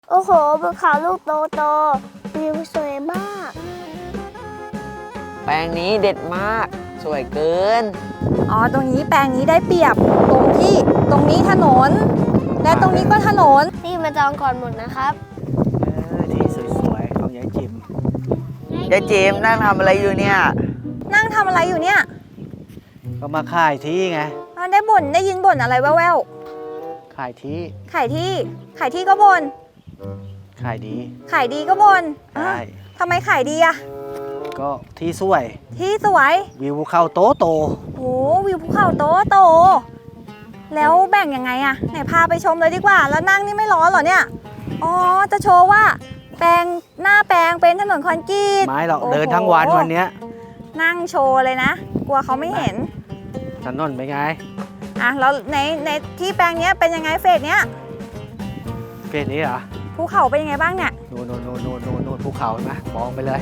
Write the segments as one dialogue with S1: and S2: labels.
S1: โอ้โหภูเขาลูกโตโตวิวสวยมาก
S2: แปลงนี้เด็ดมากสวยเกิน
S3: อ๋อตรงนี้แปลงนี้ได้เปรียบตรงที่ตรงนี้ถนน และตรงนี้ก็ถนน
S1: นี่มาจองก่อนหมดนะครับ
S4: ที่สวยๆของยายจิม
S2: ยายจิมนั่งทำอะไรอยู่เนี่ย
S3: นั่งทำอะไรอยู่เนี่ย
S4: ก็มาขายที่ไง
S3: อ๋อได้ยินบ่นอะไรแว่ว
S4: ขายที่
S3: ๆขายที่ก็บ่น
S4: ขายดี
S3: ขายดีก็บ่น
S4: ใช่
S3: ทำไมขายดีอะ
S4: ก็ที่สวย
S3: ที่สวย
S4: วิวภูเขาโตโต
S3: โอ้วิวภูเขาโตโตแล้วแบ่งยังไงอะไหนพาไปชมเลยดีกว่า แล้วนั่งนี่ไม่ร้อนเหรอเนี่ยอ๋อจะโชว์ว่าแปลงหน้าแปลงเป็นถนนคอนกรีต
S4: ไม้เรา
S3: โอ้โห
S4: เดินทั้งวันวันเนี้ย
S3: นั่งโชว์เลยนะ กลัวเขาไม่เห็น
S4: ถนนเป็นไง
S3: อ่ะแล้วในที่แปลงเนี้ยเป็นยังไงเฟสเนี้ย
S4: เฟสนี้เหรอ
S3: ภูเขาเป็นยังไงบ้างเนี่ย
S4: นู่นภูเขาเห็นไหมมองไปเลย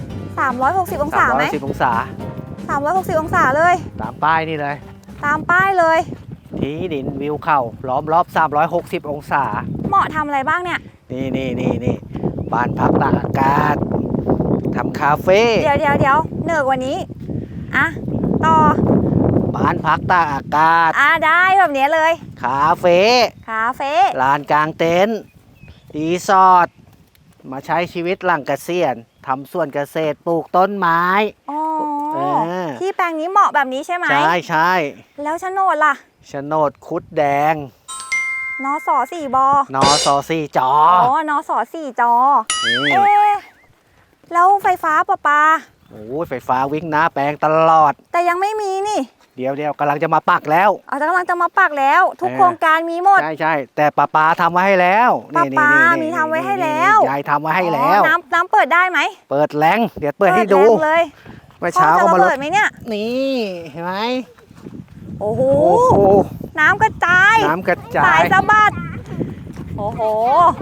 S3: 360 องศาไหม
S4: 310องศา
S3: 360 องศาเลย
S4: ตามป้ายนี่เลย
S3: ตามป้ายเลย
S4: ที่ดินวิวเขาล้อมรอบ360องศา
S3: เหมาะทำอะไรบ้างเนี่ย
S4: นี่บ้านพักตากอากาศทำคาเฟ่
S3: เดี๋ยวเหนือกว่านี้อ่ะต่อ
S4: บ้านพักตากอากาศ
S3: ได้แบบนี้เลย
S4: คาเฟ่
S3: คาเฟ่
S4: ลานกลางเต็นท์รีสอร์ทมาใช้ชีวิตหลังเกษียณทำสวนเกษตรปลูกต้นไม้
S3: อ๋อ
S4: เออ
S3: ที่แปลงนี้เหมาะแบบนี้ใช่ไหม
S4: ใช่
S3: แล้วโฉนดล่ะ
S4: โฉนดคุดแดง
S3: นส4บ
S4: นอซอซี่จอ
S3: อ๋อนส4จอ
S4: นี่
S3: เอ๊ะแล้วไฟฟ้าประปา
S4: โอ้ยไฟฟ้าวิ่งหน้าแปลงตลอด
S3: แต่ยังไม่มีนี่
S4: เดี๋ยวกำลังจะมาปักแล้ว
S3: แต่กำลังจะมาปักแล้ว ทุกโครงการมีหมด
S4: ใช่แต่ป้าปาทำไว้ให้แล้ว
S3: ป้า
S4: นี่
S3: ปา
S4: นี่
S3: มีทำไว้ให้แล้ว
S4: ยายทำไว้ให้แล้ว
S3: อ๋อน้ำเปิดได้ไหม
S4: เปิดแรงเดี๋ยวเปิดให้ดู
S3: แรงเลย
S4: เมื่อเช้าก็มา
S3: พ่อจะระ
S4: ล
S3: เบิ
S4: ด
S3: ดไหมเนี่ย
S4: นี่เห็นไหม
S3: โอ้โห
S4: โอ้โห
S3: น้ำกระจาย
S4: น้ำกระจา
S3: สาย ยสะบัด โอ้โห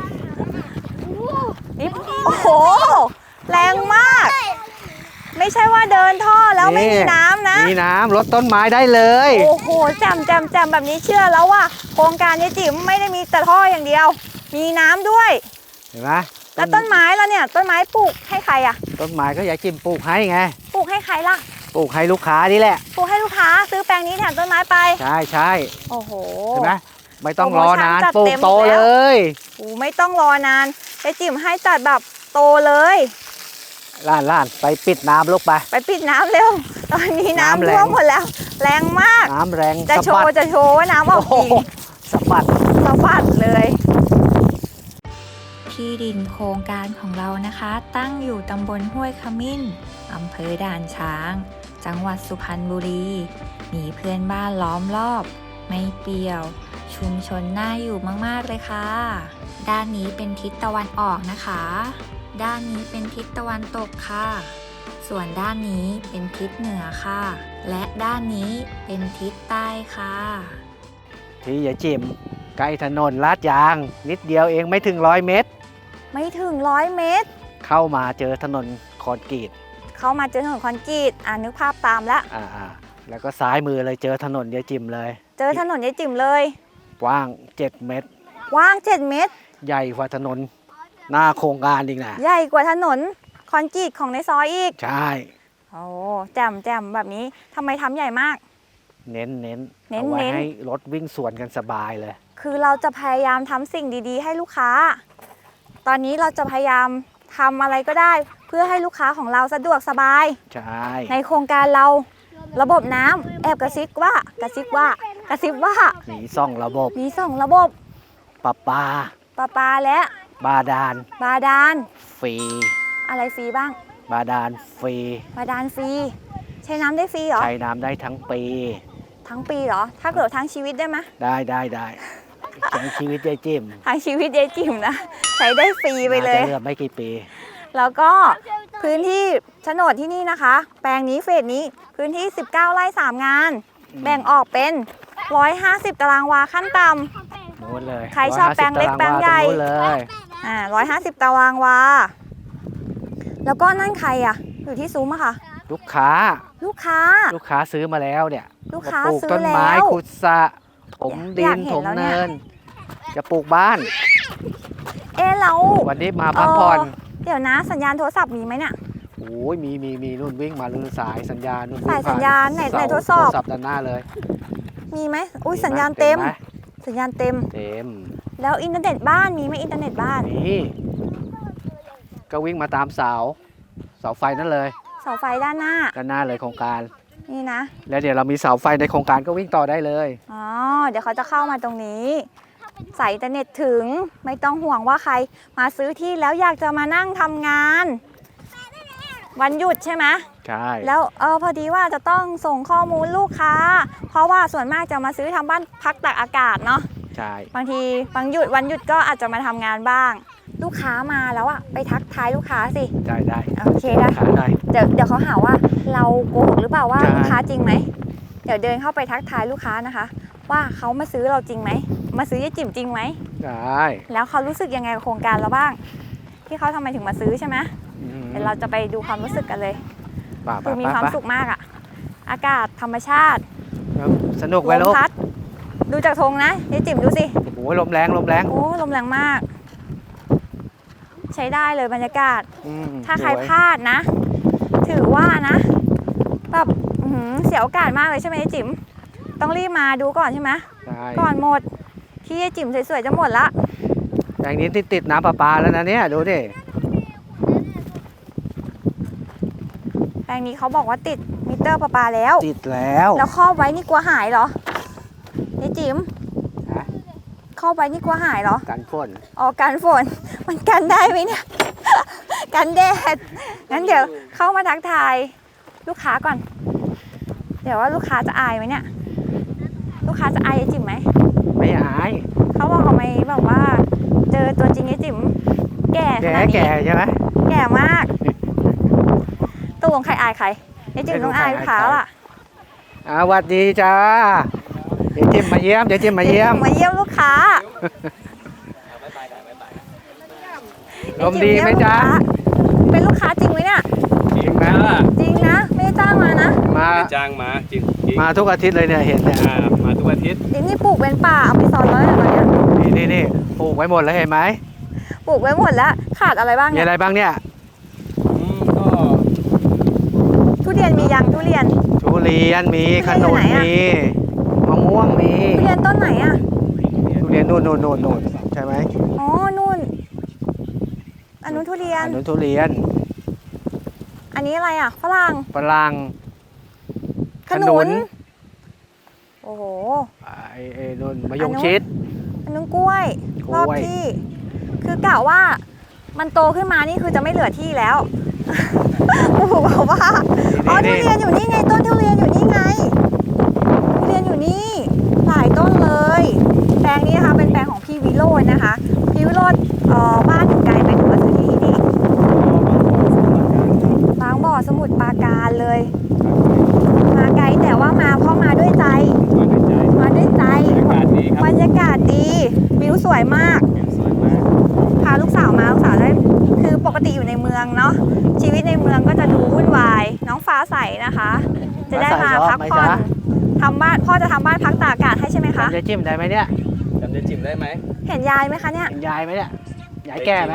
S3: นี่โอ้โห แรงมาก ไม่ใช่ว่าเดินท่อแล้วไม่มีน้ำนะ
S4: มีน้ำลดต้นไม้ได้เลย
S3: โอ้โหแจ่มแบบนี้เชื่อแล้วว่าโครงการยายจิ๋มไม่ได้มีแต่ท่ออย่างเดียว มีน้ำด้วย
S4: เห็นไหม
S3: แล้วต้นไม้แล้วเนี่ย ต้นไม้ปลูกให้ใครอะ
S4: ต้นไม้ก็ยายจิมปลูกให้ไง
S3: ปลูกให้ใครล่ะ
S4: ปลูกให้ลูกค้านี่แหละ
S3: ปลูกให้ลูกค้าซื้อแปลงนี้แทนต้นไม้ไป
S4: ใช่
S3: โอ้โห
S4: เห็นไหมไม่ต้องรอนาน
S3: โปรโมชั่นจัด
S4: ปลูก
S3: เต็ม
S4: โต
S3: แล้ว
S4: เลย
S3: โอ้ไม่ต้องรอนานยายจิ๋มให้จัดแบบโตเลย
S4: ล้านไปปิดน้ำลูกไป
S3: ไปปิดน้ำเร็ว ตอนนี้น้ำ
S4: น้ำแรง
S3: ท่วมหมดแล้ว แรงมาก
S4: น้ำแรง
S3: จะ
S4: สะ
S3: โช
S4: บัด
S3: ว์ว่าน้ำออก
S4: โอ้
S3: จริง
S4: โหสะบัด
S3: สะบัดเลย
S5: ที่ดินโครงการของเรานะคะ ตั้งอยู่ตำบลห้วยขมิ้นอำเภอด่านช้าง จังหวัดสุพรรณบุรี มีเพื่อนบ้านล้อมรอบ ไม่เปลี่ยว ชุมชนน่าอยู่มากๆเลยค่ะ ด้านนี้เป็นทิศตะวันออกนะคะ ด้านนี้เป็นทิศตะวันตกค่ะ ส่วนด้านนี้เป็นทิศเหนือค่ะ และด้านนี้เป็นทิศใต้ค่ะ
S4: ที่ยายจิมใกล้ถนนลาดยาง นิดเดียวเองไม่ถึง100 เมตร
S3: ไม่ถึง100 เมตร
S4: เข้ามาเจอถนนคอนกรีต
S3: เข้ามาเจอถนนคอนกรีตนึกภาพตามแล้ว
S4: แล้วก็ซ้ายมือเลยเจอถนนยายจิมเลย
S3: เจอถนนยายจิ๋มเลย
S4: กว้าง7 เมตร
S3: กว้าง7 เมตร
S4: ใหญ่กว่าถนนหน้าโครงการอีกนะ
S3: ใหญ่กว่าถนนคอนกรีตของในซอยอีก
S4: ใช่
S3: โอ้แจ่มแบบนี้ทำไมทำใหญ่มาก
S4: เน้น
S3: เน้น
S4: เอาไว้
S3: เน้น
S4: ให้รถวิ่งสวนกันสบายเลย
S3: คือเราจะพยายามทำสิ่งดีๆ ให้ลูกค้า ตอนนี้เราจะพยายามทำอะไรก็ได้ เพื่อให้ลูกค้าของเราสะดวกสบาย
S4: ใช่
S3: ในโครงการเราระบบน้ำแอบกระซิบว่า
S4: มี2 ระบบ
S3: มี2 ระบบ
S4: ประปา
S3: ประปาและ
S4: บาดาล
S3: บาดาล
S4: ฟรี
S3: อะไรฟรีบ้าง
S4: บาดาลฟรี
S3: บาดาลฟรีใช้น้ำได้ฟรีเหรอ
S4: ใช้น้ำได้ทั้งปี
S3: ทั้งปีเหรอ ถ้าเกิดทั้งชีวิตได้ไหม
S4: ได้ใช้ชีวิตยายจิม
S3: ทั้งชีวิตยายจิ๋มนะใช้ได้ฟรีไปเลย
S4: น่าจะเหลือไม่กี่ปี
S3: แล้วก็พื้นที่โฉนดที่นี่นะคะ แปลงนี้เฟสนี้พื้นที่ 19 ไร่ 3 งาน แบ่งออกเป็น 150 ตารางวาขั้นต่ำ
S4: โน้นเลย
S3: ใครชอบแปลงเล็ก
S4: 150
S3: แปลงใหญ่
S4: ตารางวาตรงนู้นเลย
S3: 150 ตารางวา แล้วก็นั่นใครอะอยู่ที่ซุ้มอะค่ะ
S4: ลูกค้า
S3: ลูกค้า
S4: ลูกค้าซื้อมาแล้วเนี่ย
S3: ลูกค้า
S4: จะปลูก
S3: ซื้อ
S4: ต้นไม้
S3: แล้ว
S4: ขุดสระถมดิ
S3: อยาน กเห็น
S4: ถม
S3: แล้วเนี่ย
S4: เนิน จะปลูกบ้าน
S3: เรา
S4: วันนี้มาพักผ่อน
S3: เดี๋ยวนะสัญญาณโทรศัพท์มีไหมเนี่ย
S4: โอ้ยมีนู่นวิ่งมาลือสายสัญญาณนู่นวิ่ง
S3: สายสัญญาณไหน
S4: ผ่
S3: ไหน
S4: เส
S3: ทดสอบ
S4: โทรศัพท์ด้านหน้าเลย
S3: มีไหมอุ้ยสัญญาณเต็ม
S4: ไห
S3: สัญญาณเต็ม
S4: เต็ม
S3: แล้วอินเทอร์เน็ตบ้านมีไหมอินเทอร์เน็ตบ้าน
S4: นี่ก็วิ่งมาตามเสาไฟนั่นเลย
S3: เสาไฟด้านหน้า
S4: ด้านหน้าเลยโครงการ
S3: นี่นะ
S4: แล้วเดี๋ยวเรามีเสาไฟในโครงการก็วิ่งต่อได้เลย
S3: อ๋อ เดี๋ยวเขาจะเข้ามาตรงนี้สายอินเทอร์เน็ตถึงไม่ต้องห่วงว่าใครมาซื้อที่แล้วอยากจะมานั่งทำงาน วันหยุดใช่ไหม
S4: ใช่
S3: แล้วพอดีว่าจะต้องส่งข้อมูลลูกค้า เพราะว่าส่วนมากจะมาซื้อทำบ้านพักตากอากาศเนาะ
S4: ใช่
S3: บางทีวันหยุดก็อาจจะมาทำงานบ้าง ลูกค้ามาแล้วอะไปทักทายลูกค้าสิ
S4: ได้
S3: โอเคได้
S4: ขาได้
S3: เดี๋ยวเขาหาว่าเราโกหกหรือเปล่าว่า
S4: ใช่
S3: ลูกค้าจริงไหมเดี๋ยวเดินเข้าไปทักทายลูกค้านะคะ ว่าเขามาซื้อเราจริงไหมมาซื้อยายจิ๋มจริงไหม
S4: ได้
S3: แล้วเขารู้สึกยังไงกับโครงการเราบ้าง ที่เขาทำไมถึงมาซื้อใช่ไหมเดี๋ยวเราจะไปดูความรู้สึกกันเลย
S4: ป่า
S3: คือมีความสุขมากอะอากาศธรรมชาติ
S4: สนุกไหม
S3: ล
S4: ลู
S3: ม
S4: ก
S3: พัดดูจากธงนะยายจิ๋มดูสิ
S4: โอ้โหลมแรง
S3: โอ้ลมแรงมาก ใช้ได้เลยบรรยากาศ ถ้าใคร
S4: สวย
S3: พลาดนะ ถือว่านะแบบเสียโอกาสมากเลยใช่ไหมยายจิ๋มต้องรีบมาดูก่อนใช่ไหม
S4: ใช่
S3: ก่อนหมดที่ยายจิ๋มสวยๆจะหมดละ
S4: อย่างนี้ติดน้ำประปาแล้วนะเนี่ยดูดิ
S3: แปลงนี้เขาบอกว่าติดมิเตอร์ประปาแล้ว
S4: ติดแล้ว
S3: แล้วครอบไว้นี่กลัวหายเหรอยายจิ๋ม
S4: ฮะ
S3: ครอบไว้นี่กลัวหายเหรอ
S4: กันฝน
S3: อ๋อกันฝน มันกันได้ไหมเนี่ย กันแดดงั้นเดี๋ยวเข้ามาทักทายลูกค้าก่อน เดี๋ยวว่าลูกค้าจะอายไหมเนี่ย ลูกค้าจะอายยายจิ๋มไหม
S4: ไม่อาย
S3: เขาบอกเขาไม่แบบว่า เจอตัวจริงยายจิ๋มแก่ขนาดนี้
S4: แก่ใช่ไหม
S3: แก่มากตกลงใครอายใครยายจิ๋มต้องอายลูกค้าล่ะ
S4: สวัสดีจ้าเดี๋ยวจิ้มมาเยี่ยม
S3: มาเยี่ยมลูกค้า
S4: ลมดีไหมจ๊ะ
S3: เป็นลูกค้าจริงไหมเนี่ย
S6: จริงนะ
S3: จริงนะ ไม่ได้จ้างมานะ
S4: มา
S6: จ้างมาจริง
S4: มาทุกอาทิตย์เลยเนี่ยเห็นเนี่ย
S6: มาทุกอาทิตย์
S3: เดี๋ยวนี่ปลูกเป็นป่าอเมซอนแล้วเนี่ยตอนเนี้ย
S4: นี่ปลูกไว้หมดแล้วเห็นไหม
S3: ปลูกไว้หมดแล้วขาดอะไรบ้าง
S4: มี
S3: เนี่ย
S4: อะไรบ้างเนี่ย
S6: ก็
S3: ทุเรียนมียังทุเรียน
S4: ทุเรียนมีข
S3: ทุ
S4: นุ
S3: เรียนอยู่ไหนอะ
S4: นมีมะม่วงมี
S3: ทุเรียนต้นไหนอ่ะ
S4: ทุเรียนนู่นใช่ไหม
S3: อ๋อนู่นอันนู้นทุเรียน
S4: อันนู้นทุเรียน
S3: อันนี้อะไรอ่ะฝรั่ง
S4: ฝรั่ง
S3: ขนุนโอ้โห
S4: ไอ้นู่นมะยงชิด
S3: อันนู้นกล้วย
S4: กล้วย
S3: รอบที่ คือกะว่ามันโตขึ้นมานี่คือจะไม่เหลือที่แล้ว ปู่บอกว่าอ๋อทุเรียนอยู่นี่ไงต้นทุเรียนอยู่นี่ไงทุเรียนอยู่นี่หลายต้นเลยแปลงนี้นะคะเป็นแปลงของพี่วิโรจน์นะคะพี่วิโรจน์บ้านอยู่ไกลไหมถึงมาซื้อที่นี่บางบ่อสมุทรปราการเลย มาไกลแต่ว่ามาเพราะมาด้วยใจ มาด้วยใจ
S6: บรรยากาศดีครับ
S3: บรรยากาศดีวิวสวยมาก
S6: วิวสวยมาก
S3: พาลูกสาวมาลูกสาวได้คือปกติอยู่ในเมืองเนาะชีวิตในเมืองก็จะดูวุ่นวายน้องฟ้าใสนะคะ จะได้มาพักผ่อนทำบ้านพ่อจะทำบ้านพักตากอากาศให้ใช่ไหมคะ
S4: จะจิ้มได้ไหมเนี่ย
S6: จำได้จิ๋มได้ไหม
S3: เห็นยายไหมคะเนี่ย
S4: เห็นยายไหมเนี่ยยายแก่ไหม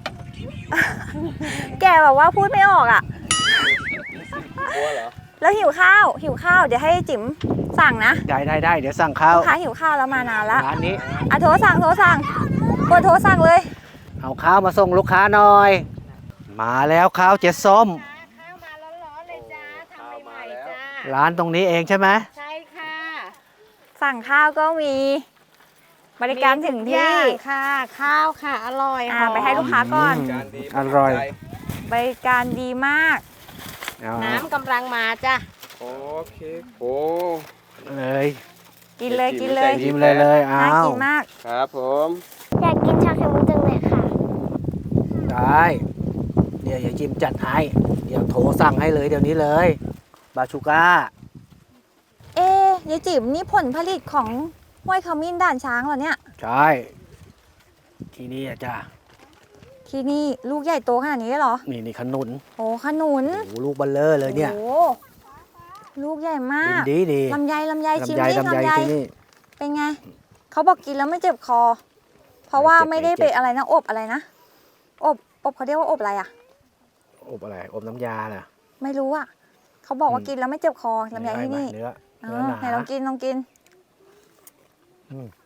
S3: แกแบบว่าพูดไม่ออกอ่ะ
S6: กลัวเหรอ
S3: แล้วหิวข้าวเดี๋ยวให้จิ๋มสั่งนะ
S4: ได้เดี๋ยวสั่งข้าว
S3: ลูกค้าหิวข้าวแล้วมานานละ
S4: ร้านนี้
S3: อ่ะโทรสั่งกดโทรสั่งเลย
S4: เอาข้าวมาส่งลูกค้าหน่อย มาแล้วข้าวเจ๊ส้ม
S7: ข้าวมาร้อนๆเลยจ้าทำใหม่ๆจ้า
S4: ร้านตรงนี้เองใช่ไหม
S7: ใช่ค่ะ
S3: สั่งข้าวก็มีบริการถึง
S7: มีทุ
S3: ที่
S7: อย่างค่ะ ข้าวค่ะ อร่อยหอม
S3: ไปให้ลูกค้าก่อน
S6: การดี
S4: อร่อย
S3: บริการดีมาก
S4: เอา
S7: น้ำกำลังมาจ้ะ
S6: โอเคโอ้
S4: เลย
S3: กินเลย
S6: กินเลย
S4: ยิ้มเลยเอา
S3: น่ากินมาก
S6: ครับผม
S1: อยากกินชาไข่มุกจังเลยค่ะ
S4: ได้เดี๋ยวอย่าจิ้มจัดให้เดี๋ยวโทรสั่งให้เลยเดี๋ยวนี้เลยบาชูก้า
S3: เอ๊ะยายจิ๋มนี่ผลผลิตของห้วยขมิ้นด่านช้างเหรอเนี่ย
S4: ใช่ที่นี่อะจ้า
S3: ที่นี่ลูกใหญ่โตขนาดนี้เลยเหรอ
S4: นี่ขนุน
S3: โอ้ขนุน
S4: โอ้โหลูกเบัลเลอร์เลยเนี่ย
S3: โอ้ลูกใหญ่มาก
S4: ดี
S3: ลำไยชิม
S4: ลำไย
S3: ดิ
S4: ลำไยที่นี่
S3: เป็นไงเขาบอกกินแล้วไม่เจ็บคอเพราะว่า
S4: เจ็บ
S3: ไม่ได้
S4: เจ็
S3: ไป
S4: บ
S3: อะไรนะอบอะไรนะอบเขาเรียกว่าอบอะไรอะ
S4: อบอะไรอบน้ำยาน่ะ
S3: ไม่รู้อะเขาบอกว่ากินแล้วไม่เจ็บคอลำไยที่นี่
S4: เนื้อ
S3: เอ
S4: เนื้อ
S3: อ
S4: หนา
S3: ไหนลองกินลองกิน
S4: อืม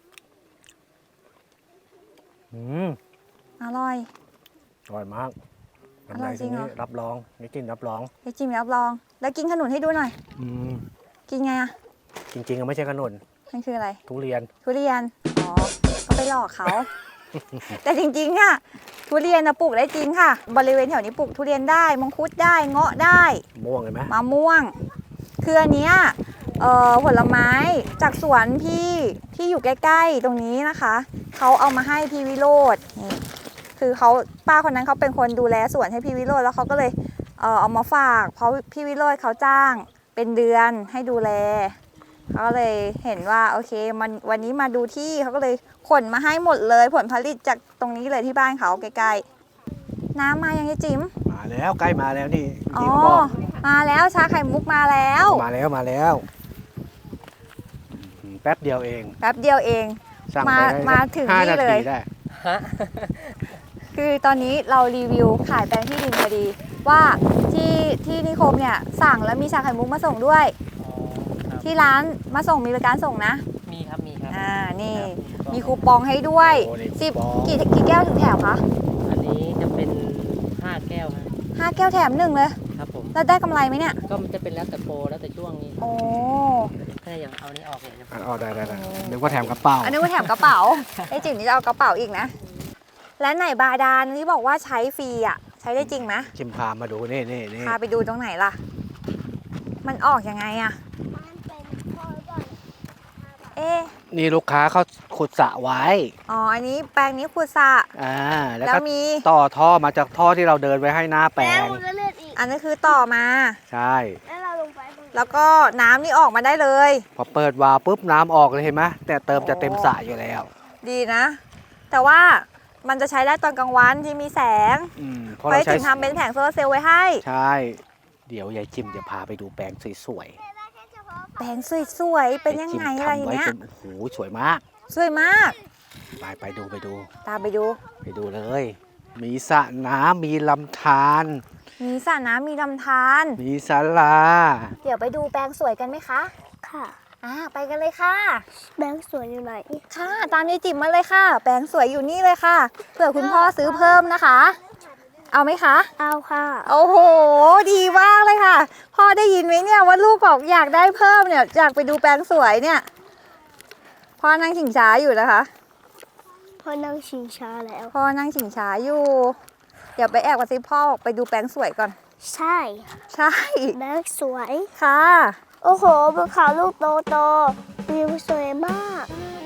S3: อร่อย
S4: อร่อยมาก
S3: อร่อยจริงเหรอ
S4: รับรองไม่กินรับรอง
S3: ไปจิ้มรับรอง แล้วกินขนุนให้ดูหน่อย
S4: อืม
S3: กินไงอะ
S4: จริงๆก็ไม่ใช่ขนุน
S3: มันคืออะไร
S4: ทุเรียน
S3: ทุเรียน อ๋อ ก็ไปหลอกเขา แต่จริงๆอะทุเรียนนะปลูกได้จริงค่ะ บริเวณแถวนี้ปลูกทุเรียนได้มังคุดได้เงาะได้
S4: ม่วงเห็นไหม
S3: มะม่วง คืออันเนี้ยผลไม้จากสวนพี่ที่อยู่ใกล้ๆตรงนี้นะคะ เขาเอามาให้พี่วิโรจน์นี่คือเขาป้าคนนั้นเขาเป็นคนดูแลสวนให้พี่วิโรจน์แล้วเขาก็เลยเอามาฝาก เพราะพี่วิโรจน์เขาจ้างเป็นเดือนให้ดูแลเขาก็เลยเห็นว่าโอเคมันวันนี้มาดูที่เขาก็เลยขนมาให้หมดเลยผลผลิตจากตรงนี้เลยที่บ้านเขาใกล้ๆน้ำมายังไงจิ๋ม
S4: มาแล้วใกล้มาแล้วนี่
S3: อ๋
S4: จริ
S3: อ
S4: งๆบอก
S3: มาแล้วชาไข่มุกมาแล้ว
S4: มาแล้วแป๊บเดียวเอง
S3: แป๊บเดียวเอง
S4: สั่ง
S3: มา
S4: ไปได้
S3: มาถึง
S4: 5
S3: นี่
S4: นา
S3: เล
S4: ที
S3: ย
S4: ได้
S3: คือตอนนี้เรารีวิวขายแปลงที่ดินพอดี ว่าที่นิคมเนี่ยสั่งแล้วมีชาไข่มุกมาส่งด้วย ที่ร้านมาส่งมีบริการส่งนะ
S2: มีครับ มีครับ
S3: นี่มีคูปองให้ด้วย
S4: โอ้นี่
S3: สิบ
S4: คูปอง
S3: กี่แก้วถึงแถมคะ
S2: อันนี้จะเป็น 5 แก้วครับ
S3: 5 แก้วแถม1เลย
S2: ครับผม
S3: แล้วได้กำไรไหมเนี่ย
S2: ก็มันจะเป็นแล้วแต่โปรแล้วแต่ช่วงนี้
S3: โอ้
S2: ถ้าอย่างเอานี้ออกเนี่ยจะ
S4: อ๋อได้นึกว่าแถมกระเป๋า
S3: อันนี้ว่าแถมกระเป๋า ไอ้จิ๋มนี่จะเอากระเป๋าอีกนะ และไหนบาดาลที่บอกว่าใช้ฟรีอ่ะใช้ได้จริงไหม
S4: ชิมพามาดูนี่
S3: พาไปดูตรงไหนล่ะ มันออกยังไงอะ
S1: มันเป็นพ่อก่อน
S3: เอ๊ะ
S4: นี่ลูกค้าเขาขุดสระไว้
S3: อ๋อ อันนี้แปลงนี้ขุดสระ
S4: แล้ว
S3: แล้ว
S4: ก็
S3: มี
S4: ต่อท่อมาจากท่อที่เราเดินไว้ให้หน้าแปล
S1: แล้ว
S4: ง
S1: มันก็เลือดอีก
S3: อันนี้คือต่อมา
S4: ใช่
S1: แล้วเราลงไปตรงนี้
S3: แล้วก็น้ำนี่ออกมาได้เลย
S4: พอเปิดวาล์วปุ๊บน้ำออกเลยเห็นไหมแต่เติมจะเต็มสระอยู่แล้ว
S3: ดีนะ แต่ว่ามันจะใช้ได้ตอนกลางวันที่มีแสง
S4: เพราะ
S3: ไป
S4: เราใช้
S3: ถึงทำเป็นแผงโซลาร์เซลล์ไว้ให้
S4: ใช่ เดี๋ยวยายจิมจะพาไปดูแปลงสวย
S3: แปลงสวยๆ
S4: ๆ
S3: เป็นยังไงอะไร
S4: ยายจิมทำไว้
S3: เนี้ย
S4: จนโอ้โหสวยมาก
S3: สวยมาก
S4: ไปดู
S3: ตามไปดู
S4: เลย มีสระน้ำมีลำธาร
S3: มีสระน้ำมีลำธาร
S4: มีศาลา
S3: เดี๋ยวไปดูแปลงสวยกันไหมคะ
S1: ค่ะ
S3: ไปกันเลยค่ะ
S1: แบงค์สวยอยู่ไหน
S3: ค่ะ ตามยายจิ๋มมาเลยค่ะ แปลงสวยอยู่นี่เลยค่ะ เผื่อคุณพ่อซื้อเพิ่มนะคะ เอาไหมคะ
S1: เอาค่ะ
S3: โอ้โห ดีมากเลยค่ะ พ่อได้ยินไหมเนี่ยว่าลูกบอกอยากได้เพิ่มเนี่ย อยากไปดูแปลงสวยเนี่ย พ่อนั่งชิงช้าอยู่นะคะ
S1: พอนั่งชิงช้าแล้ว
S3: พ่อนั่งชิงช้าอยู่ เดี๋ยวไปแอบกับซิพ่อไปดูแปลงสวยก่อน
S1: ใช่
S3: ใช่
S1: แบงค์สวย
S3: ค่ะ
S1: โอ้โหภูเขาลูกโตวิวสวยมาก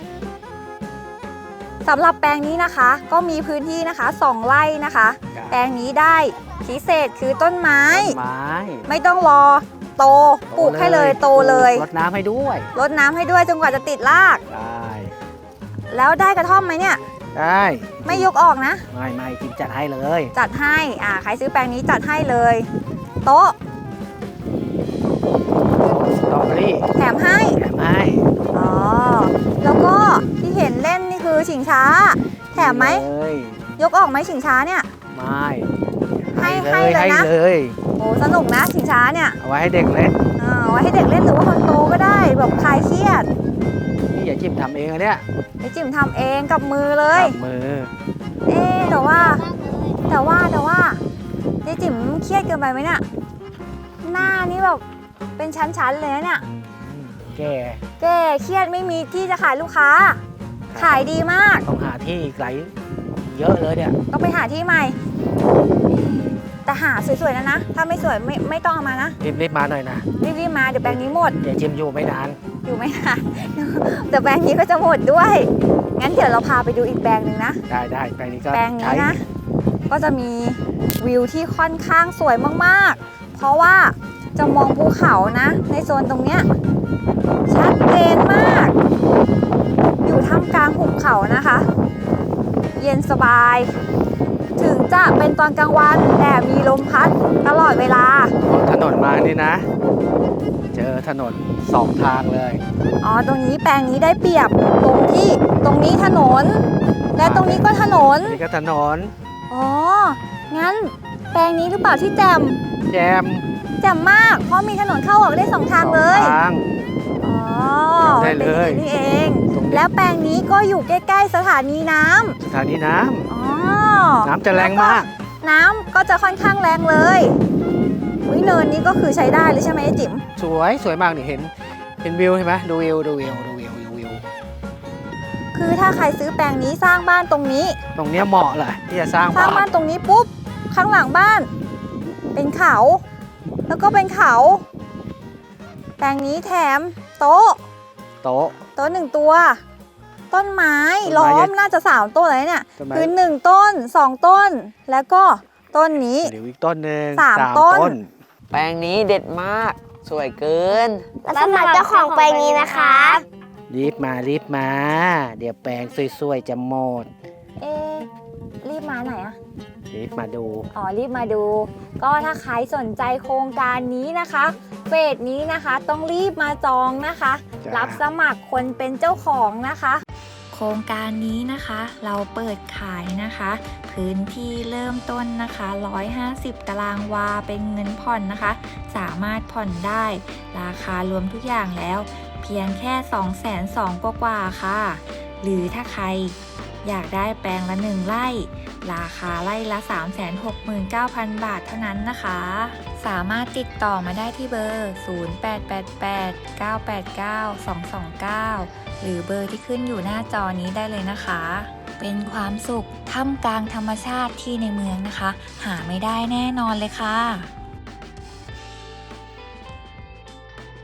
S3: สำหรับแปลงนี้นะคะ ก็มีพื้นที่นะคะ2 ไร่นะคะ แปลงนี้ได้พิเศษคือต้นไม้
S4: ต้นไม้
S3: ไม่ต้องรอโตปลูกให้เลยโตเลย
S4: รดน้ำให้ด้วย
S3: รดน้ำให้ด้วยจนกว่าจะติดราก
S4: ได้
S3: แล้วได้กระท่อมไหมเนี่ย
S4: ได้
S3: ไม่ยกออกนะ
S4: ไม่จิมจัดให้เลย
S3: จัดให้ใครซื้อแปลงนี้จัดให้เลย โต๊ะ
S4: สตรอเบอรี่
S3: แถมให้
S4: แถมให้
S3: อ๋อ แล้วก็ที่เห็นเล่นนี่คือชิงช้า แถมไหม
S4: เลย
S3: ยกออกไหมชิงช้าเนี่ย
S4: ไม่
S3: ให้เลยนะ
S4: ให้เลย
S3: โอ้สนุกนะชิงช้าเนี่ย
S4: เอาไว้ให้เด็กเล่น
S3: เอาไว้ให้เด็กเล่นหรือว่าคนโตก็ได้แบบคลายเครียด
S4: นี่อย่าจิมทำเองอะเนี่ย
S3: ไอจิ๋มทำเองกับมือเลย
S4: จับมือ
S3: เอ๊ะแต่ว่าไอจิ๋มเครียดเกินไปไหมเนี่ยหน้านี่แบบเป็นชั้นๆเลยนะเนี่ย
S4: แก่
S3: แกเครียดไม่มีที่จะขายลูกค้า ขายดีมาก
S4: ต้องหาที่อีกหลายเยอะเลยเนี่ย
S3: ต้องไปหาที่ใหม่ แต่หาสวยๆนะ ถ้าไม่สวยไม่ต้องเอามานะ
S4: รีบมาหน่อยนะ
S3: รีบๆมาเดี๋ยวแปลงนี้หมด
S4: อย่าจิมอยู่ไม่นาน
S3: อยู่ไม่นาน แต่แปลงนี้ก็จะหมดด้วย งั้นเดี๋ยวเราพาไปดูอีกแปลงหนึ่งนะ
S4: ได้แปลงนี้ก็
S3: แปลงนี้
S4: ใช้
S3: นะ ก็จะมีวิวที่ค่อนข้างสวยมากๆ เพราะว่าจะมองภูเขานะ ในโซนตรงเนี้ยชัดเจนมาก อยู่ท่ามกลางหุบเขานะคะ เย็นสบาย ถึงจะเป็นตอนกลางวันแต่มีลมพัดตลอดเวลา
S4: ถนนมานี่นะ เจอถนน2 ทางเลย
S3: อ๋อ ตรงนี้แปลงนี้ได้เปรียบตรงนี้ถนนและตรงนี้ก็ถนน
S4: นี่ก็ถนน
S3: อ๋อ งั้นแปลงนี้หรือเปล่าที่แจม
S4: แจม
S3: แจ่มมาก เพราะมีถนนเข้าออกได้สองทางเลย
S4: สองทาง
S3: อ๋อ
S4: จำได้เลย
S3: ป็นอางนี้เอง
S4: ตรงนี้
S3: แล้วแปลงนี้ก็อยู่ใกล้ๆสถานีน้ำ
S4: สถานีน้
S3: อ๋อ
S4: ำน้ำจะแรงมาก
S3: น้ำก็จะค่อนข้างแรงเลยวิเนินนี้ก็คือใช้ได้เลยใช่ไหมไอ้จิ๋ม
S4: สวยมากนี่เห็นวิวเห็นไหมดูวิว
S3: คือถ้าใครซื้อแปลงนี้สร้างบ้านตรงนี้
S4: ตรงเนี้ยเหมาะเลยที่จะสร้าง
S3: สร้างบ้า
S4: บ้าน น
S3: ตรงนี้ปุ๊บ ข้างหลังบ้าน เป็นเขา แล้วก็เป็นเขา แปลงนี้แถมโต๊ะ
S4: โต๊ะ
S3: โต๊ะหนึ่งตัว ต้นไม้
S4: ต้นไม้
S3: ล้อ
S4: ใหญ่
S3: มน่าจะ3ต้นเลยเนี่ย
S4: ต้นไม้
S3: คือ1ต้น2ต้น แล้วก็ต้นนี้
S4: เดี๋ยวอีกต้นหนึ่ง
S3: สามต้น
S2: แปลงนี้เด็ดมาก สวยเกิน
S1: และสำหรับเจ้าของแปลงนี้นะคะ
S4: รีบมา เดี๋ยวแปลงสวยๆจะหมด
S3: เอ๊ะรีบมาไหนอะ
S4: รีบมาดู
S3: อ๋อรีบมาดู ก็ถ้าใครสนใจโครงการนี้นะคะเฟสนี้นะคะต้องรีบมาจองนะคะ
S4: จ้ะ
S3: รับสมัครคนเป็นเจ้าของนะคะ
S5: โครงการนี้นะคะเราเปิดขายนะคะ พื้นที่เริ่มต้นนะคะ 150 ตารางวาเป็นเงินผ่อนนะคะ สามารถผ่อนได้ ราคารวมทุกอย่างแล้ว เพียงแค่ 220,000 กว่าๆค่ะ หรือถ้าใครอยากได้แปลงละ1 ไร่ ราคาไร่ละ 369,000 บาทเท่านั้นนะคะ สามารถติดต่อมาได้ที่เบอร์ 0888-989-229 หรือเบอร์ที่ขึ้นอยู่หน้าจอนี้ได้เลยนะคะ เป็นความสุขท่ามกลางธรรมชาติที่ในเมืองนะคะ หาไม่ได้แน่นอนเลยค่ะ